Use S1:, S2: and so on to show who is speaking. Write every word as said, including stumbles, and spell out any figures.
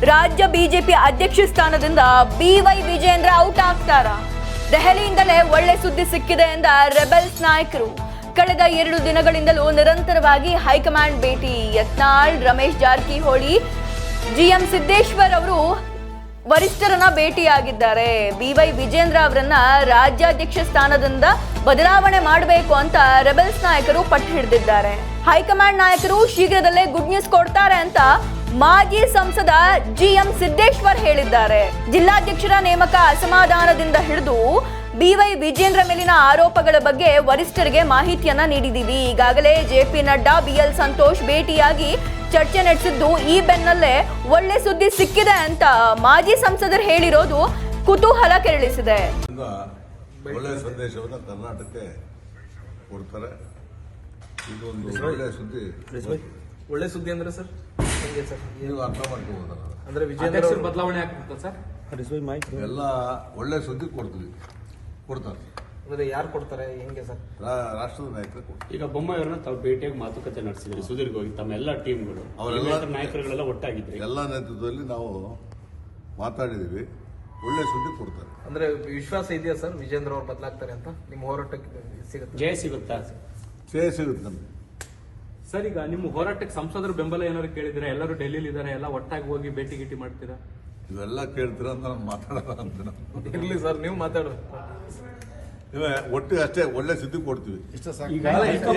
S1: ರಾಜ್ಯ ಬಿಜೆಪಿ ಅಧ್ಯಕ್ಷ ಸ್ಥಾನದಿಂದ ಬಿ ವೈ ವಿಜೇಂದ್ರ ಔಟ್ ಆಗ್ತಾರ? ದೆಹಲಿಯಿಂದಲೇ ಒಳ್ಳೆ ಸುದ್ದಿ ಸಿಕ್ಕಿದೆ ಎಂದ ರೆಬೆಲ್ಸ್ ನಾಯಕರು. ಕಳೆದ ಎರಡು ದಿನಗಳಿಂದಲೂ ನಿರಂತರವಾಗಿ ಹೈಕಮಾಂಡ್ ಭೇಟಿ. ಯತ್ನಾಳ್, ರಮೇಶ್ ಜಾರಕಿಹೊಳಿ, ಜಿಎಂ ಸಿದ್ದೇಶ್ವರ್ ಅವರು ವರಿಷ್ಠರನ್ನ ಭೇಟಿಯಾಗಿದ್ದಾರೆ. ಬಿ ವೈ ವಿಜೇಂದ್ರ ಅವರನ್ನ ರಾಜ್ಯಾಧ್ಯಕ್ಷ ಸ್ಥಾನದಿಂದ ಬದಲಾವಣೆ ಮಾಡಬೇಕು ಅಂತ ರೆಬೆಲ್ಸ್ ನಾಯಕರು ಪಟ್ಟು ಹಿಡಿದಿದ್ದಾರೆ. ಹೈಕಮಾಂಡ್ ನಾಯಕರು ಶೀಘ್ರದಲ್ಲೇ ಗುಡ್ ನ್ಯೂಸ್ ಕೊಡ್ತಾರೆ ಅಂತ ಮಾಜಿ ಸಂಸದ ಜಿಎಂ ಸಿದ್ದೇಶ್ವರ್ ಹೇಳಿದ್ದಾರೆ. ಜಿಲ್ಲಾಧ್ಯಕ್ಷರ ನೇಮಕ ಅಸಮಾಧಾನದಿಂದ ಹಿಡಿದು ಬಿ ವೈ ವಿಜೇಂದ್ರ ಮೇಲಿನ ಆರೋಪಗಳ ಬಗ್ಗೆ ವರಿಷ್ಠರಿಗೆ ಮಾಹಿತಿಯನ್ನ ನೀಡಿದ್ದೀವಿ. ಈಗಾಗಲೇ J P Nadda, B L Santosh ಭೇಟಿಯಾಗಿ ಚರ್ಚೆ ನಡೆಸಿದ್ದು ಈ ಬೆನ್ನಲ್ಲೇ ಒಳ್ಳೆ ಸುದ್ದಿ ಸಿಕ್ಕಿದೆ ಅಂತ ಮಾಜಿ ಸಂಸದರು ಹೇಳಿರೋದು ಕುತೂಹಲ ಕೆರಳಿಸಿದೆ.
S2: ಒಳ್ಳೆ ಸಂದೇಶವನ್ನು ಕರ್ನಾಟಕಕ್ಕೆ ಕೊಡ್ತಾರೆ. ಇದು ಒಂದು ಒಳ್ಳೆ ಸುದ್ದಿ.
S3: ಒಳ್ಳೆ ಸುದ್ದಿ ಅಂದ್ರೆ ಸರ್ ಹೆಂಗೆ ಸರ್
S2: ನೀವು ಅರ್ಥ ಮಾಡ್ಕೋಬೋದಲ್ಲ?
S3: ಅಂದ್ರೆ ವಿಜೇಂದ್ರ ಬದಲಾವಣೆ ಆಗ್ತದೆ ಸರ್.
S2: ಎಲ್ಲ ಒಳ್ಳೆ ಸುದ್ದಿ ಕೊಡ್ತೀವಿ, ಕೊಡ್ತಾರೆ.
S3: ಅಂದ್ರೆ ಯಾರು ಕೊಡ್ತಾರೆ, ಹೆಂಗೆ ಸರ್?
S2: ರಾಷ್ಟ್ರದ ನಾಯಕರು ಕೊಡ್ತಾರೆ.
S4: ಈಗ ಬೊಮ್ಮಾಯಿಯವ್ರನ್ನ ತಾವು ಭೇಟಿಯಾಗಿ ಮಾತುಕತೆ ನಡೆಸಿದ್ರಿ ಸುದೀರ್ಘವಾಗಿ ತಮ್ಮ ಎಲ್ಲ ಟೀಮ್ಗಳು, ಅವರೆಲ್ಲ ನಾಯಕರುಗಳೆಲ್ಲ ಒಟ್ಟಾಗಿದ್ರಿ.
S2: ಎಲ್ಲ ನೇತೃತ್ವದಲ್ಲಿ ನಾವು ಮಾತಾಡಿದೀವಿ. ಒಳ್ಳೆ ಸುದ್ದಿ ಕೊಡ್ತಾರೆ.
S3: ಅಂದ್ರೆ ವಿಶ್ವಾಸ ಇದೆಯಾ ಸರ್ ವಿಜೇಂದ್ರ ಅವ್ರು ಬದಲಾಗ್ತಾರೆ ಅಂತ? ನಿಮ್ಮ ಹೋರಾಟಕ್ಕೆ ಸಿಗುತ್ತೆ
S4: ಜಯ ಸಿಗುತ್ತಾ?
S2: ಜಯ ಸಿಗುತ್ತೆ ನಮ್ಗೆ
S5: ಸರ್. ಈಗ ನಿಮ್ಮ ಹೋರಾಟಕ್ಕೆ ಸಂಸದರು ಬೆಂಬಲ ಏನಾದ್ರು ಕೇಳಿದ್ರೆ? ಎಲ್ಲರೂ ಡೆಲ್ಲಿಲಿ ಇದ್ದಾರೆ, ಎಲ್ಲ ಒಟ್ಟಾಗಿ ಹೋಗಿ ಭೇಟಿ ಗೀಟಿ ಮಾಡ್ತೀರಾ?
S2: ಇವೆಲ್ಲ ಕೇಳ್ತೀರಾ ಅಂತ ನಾನು ಮಾತಾಡೋಣ ಅಂತ ನಾವು.
S3: ಇರ್ಲಿ ಸರ್, ನೀವು ಮಾತಾಡೋದು.
S2: ಒಟ್ಟಿಗೆ ಅಷ್ಟೇ ಒಳ್ಳೆ ಸುದ್ದಿ ಕೊಡ್ತೀವಿ.
S4: ಈಗ